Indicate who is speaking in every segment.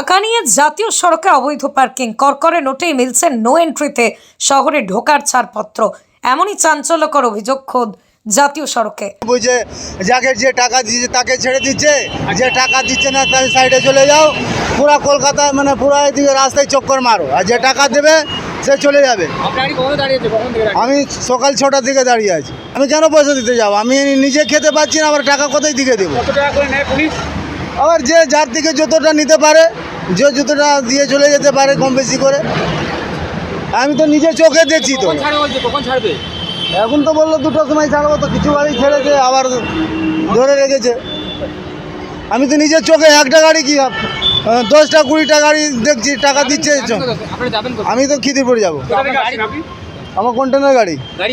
Speaker 1: টাকা নিয়ে জাতীয় সড়কে অবৈধ পার্কিং, করকরে নোটেই মিলছে নো এন্ট্রিতে শহরে ঢোকার ছাড়পত্র। এমনই চাঞ্চল্যকর অভিযোগ খোদ জাতীয় সড়কে।
Speaker 2: বুঝে যাকে যে টাকা দিচ্ছে তাকে ছেড়ে দিচ্ছে, যে টাকা দিচ্ছে না তার সাইডে চলে যাও। পুরা কলকাতা মানে পুরা এদিকে রাস্তায় চক্কর মারো, আর যে টাকা দেবে সে চলে যাবে। আমি সকাল 6টার দিকে দাঁড়িয়ে আছি। আমি কেন পয়সা দিতে যাবো? আমি নিজে খেতে পাচ্ছি না, আবার টাকা কোথায় দিকে দেবো? আবার যে যার দিকে যতটা নিতে পারে, যে যতটা দিয়ে চলে যেতে পারে কম বেশি করে। আমি তো নিজে চোখে দেখছি। তো এখন তো বললো 2টার সময় ছাড়বো, তো কিছু গাড়ি ছেড়েছে আবার ধরে রেখেছে। আমি তো নিজের চোখে একটা গাড়ি কি 10টা 20টা গাড়ি দেখছি টাকা দিচ্ছে। আমি তো খিদিরপুর যাবো। আমার কন্টেনার গাড়ি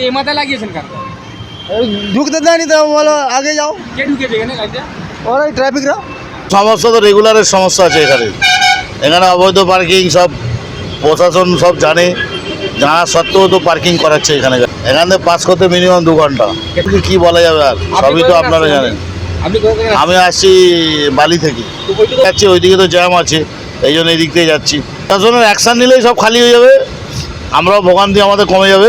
Speaker 2: ঢুকতে দেয়নি, তো বলো আগে যাও। ওরাই ট্রাফিকরা।
Speaker 3: সমস্যা তো রেগুলারের সমস্যা আছে এখানে। এখানে অবৈধ পার্কিং সব প্রশাসন সব জানে, জানা সত্ত্বেও তো পার্কিং করাচ্ছে এখানে। এখান থেকে পাস করতে মিনিমাম 2 ঘন্টা। কি বলা যাবে আর, সবই তো আপনারা জানেন। আমি আসছি বালি থেকে, যাচ্ছি ওইদিকে তো জ্যাম আছে, এই জন্য এই দিক থেকে যাচ্ছি। প্রশাসনের অ্যাকশান নিলেই সব খালি হয়ে যাবে, আমরাও ভোগান্তি আমাদের কমে যাবে।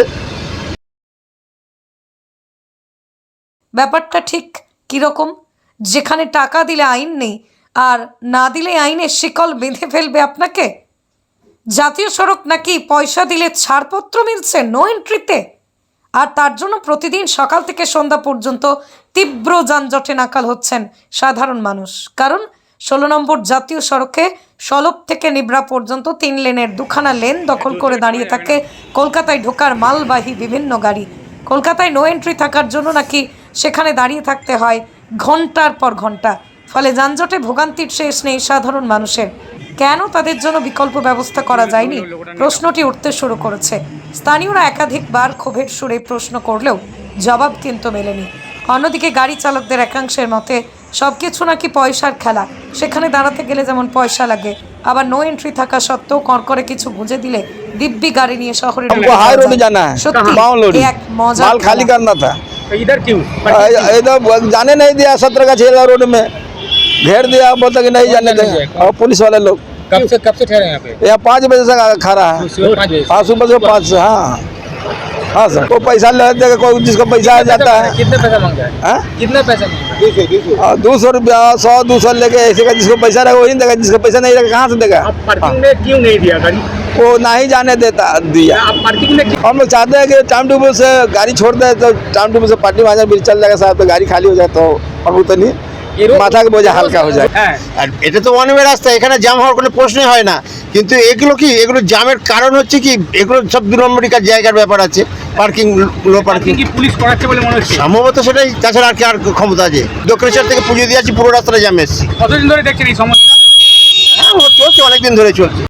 Speaker 1: ব্যাপারটা ঠিক কীরকম? যেখানে টাকা দিলে আইন নেই, আর না দিলে আইনের শিকল বেঁধে ফেলবে আপনাকে। জাতীয় সড়ক নাকি পয়সা দিলে ছাড়পত্র মিলছে নো এন্ট্রিতে, আর তার জন্য প্রতিদিন সকাল থেকে সন্ধ্যা পর্যন্ত তীব্র যানজটে নাকাল হচ্ছেন সাধারণ মানুষ। কারণ 16 নম্বর জাতীয় সড়কে সলভ থেকে নিবরা পর্যন্ত 3 লেনের 2খানা লেন দখল করে দাঁড়িয়ে থাকে কলকাতায় ঢোকার মালবাহী বিভিন্ন গাড়ি। কলকাতায় নো এন্ট্রি থাকার জন্য নাকি সেখানে দাঁড়িয়ে থাকতে হয় ঘন্টার পর ঘন্টা। ফলে যানজটে ভোগান্তির শেষ নেই সাধারণ মানুষের। কেন তাদের জন্য বিকল্প ব্যবস্থা করা যায়নি, প্রশ্নটি উঠতে শুরু করেছে। স্থানীয়রা একাধিকবার ক্ষোভের সুরে প্রশ্ন করলেও জবাব কিন্তু মেলেনি। অন্যদিকে গাড়ি চালকদের একাংশের মতে সবকিছু নাকি পয়সার খেলা। সেখানে দাঁড়াতে গেলে যেমন পয়সা লাগে, আবার নো এন্ট্রি থাকা সত্ত্বেও করকরে কিছু বুঝে দিলে দিব্যি গাড়ি নিয়ে শহরে
Speaker 4: हाई रोड जाना है, बाउंड लोड
Speaker 1: এক মজা
Speaker 4: माल खाली करना था।
Speaker 5: इधर क्यों?
Speaker 4: इधर जाने नहीं दिया, 17 का 6 रोड में घेर दिया, बोलता कि नहीं जाने देंगे। और पुलिस वाले लोग
Speaker 5: कब से ठहरे यहाँ पे?
Speaker 4: यहाँ 5 बजे से खड़ा है।
Speaker 5: 5 बजे
Speaker 4: हाँ, सुबह से 5 से। हाँ हाँ सर, कोई पैसा ले देगा, कोई जिसका पैसा आ जाता है।
Speaker 5: कितने पैसा मांगता है?
Speaker 4: हाँ?
Speaker 5: कितने पैसा मांगता है?
Speaker 4: 200 रुपया, 100-200 लेके ऐसे का जिसको पैसा रहेगा वही देगा, जिसका पैसा नहीं रहेगा कहाँ से देगा?
Speaker 5: आप पार्किंग में क्यों नहीं दिया गाड़ी?
Speaker 4: वो ना ही जाने देता दिया।
Speaker 5: आप पार्किंग में क्यों?
Speaker 4: हम लोग चाहते हैं कि टाइम टेबल से गाड़ी छोड़ दे, तो टाइम टेबल से पार्टी वहाँ भी चल जाएगा साहब, तो गाड़ी खाली हो जाए तो हम उतनी মাথা বোঝা হালকা হয়ে যায়।
Speaker 3: আর এটা তো ওয়ান ওয়ে রাস্তা, এখানে জ্যাম হওয়ার কোনো প্রশ্নই হয় না। কিন্তু এগুলো জ্যামের কারণ হচ্ছে কি, এগুলো সব 2 নম্বরই জায়গার ব্যাপার আছে। পার্কিং লো পার্কিং
Speaker 5: কি পুলিশ করাচ্ছে বলে মনে হচ্ছে?
Speaker 3: সম্ভবত সেটাই, তাছাড়া আর কি আর ক্ষমতা আছে? দক্ষিণেশ্বর থেকে পুজো দিয়ে আছি, পুরো রাস্তাটা জ্যাম এসেছি।
Speaker 5: কতদিন ধরে দেখছেন এই সমস্যা?
Speaker 3: হ্যাঁ, চলছে, অনেকদিন ধরে চলছে।